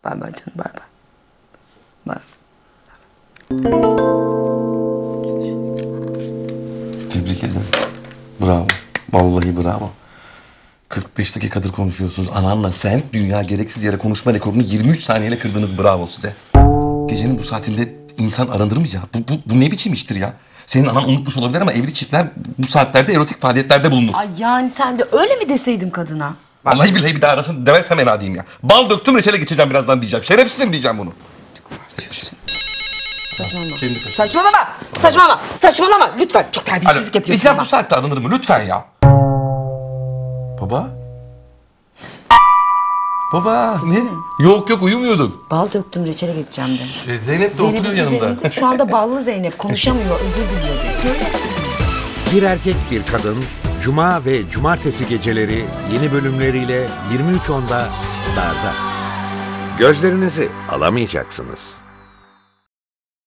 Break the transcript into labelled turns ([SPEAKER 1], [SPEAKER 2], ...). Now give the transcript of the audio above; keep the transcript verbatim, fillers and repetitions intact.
[SPEAKER 1] Bay bay canım, bay bay. Bay.
[SPEAKER 2] Tebrik ederim. Bravo. Vallahi bravo. kırk beş dakikadır konuşuyorsunuz. Ananla sen dünya gereksiz yere konuşma rekorunu yirmi üç saniyeyle kırdınız. Bravo size. Gecenin bu saatinde insan aranır mı ya? Bu, bu, bu ne biçim iştir ya? Senin anan unutmuş olabilir ama evli çiftler bu saatlerde erotik faaliyetlerde bulunur.
[SPEAKER 1] Ay yani sen de öyle mi deseydim kadına?
[SPEAKER 2] Vallahi billahi bir daha arasın demezsem en adiyim ya. Bal döktüm reçele geçeceğim birazdan diyeceğim. Şerefsizim diyeceğim bunu.
[SPEAKER 1] Saçmalama.
[SPEAKER 2] Şimdi kaç-
[SPEAKER 1] Saçmalama. Saçmalama. Saçmalama. Lütfen. Çok terbiyesizlik yapıyorsun
[SPEAKER 2] İslam
[SPEAKER 1] ama.
[SPEAKER 2] bu saatte aranır mı? Lütfen ya. Baba? Baba ne? Yok yok uyumuyorduk.
[SPEAKER 1] Bal döktüm reçele geçeceğim de.
[SPEAKER 2] Ee, Zeynep de
[SPEAKER 1] Zeynep'in
[SPEAKER 2] oturuyor yanımda.
[SPEAKER 1] üzerinde şu anda ballı Zeynep konuşamıyor, özür diliyor. Söyle.
[SPEAKER 3] Bir Erkek Bir Kadın Cuma ve Cumartesi geceleri yeni bölümleriyle yirmi üç onda Star'da. Gözlerinizi alamayacaksınız.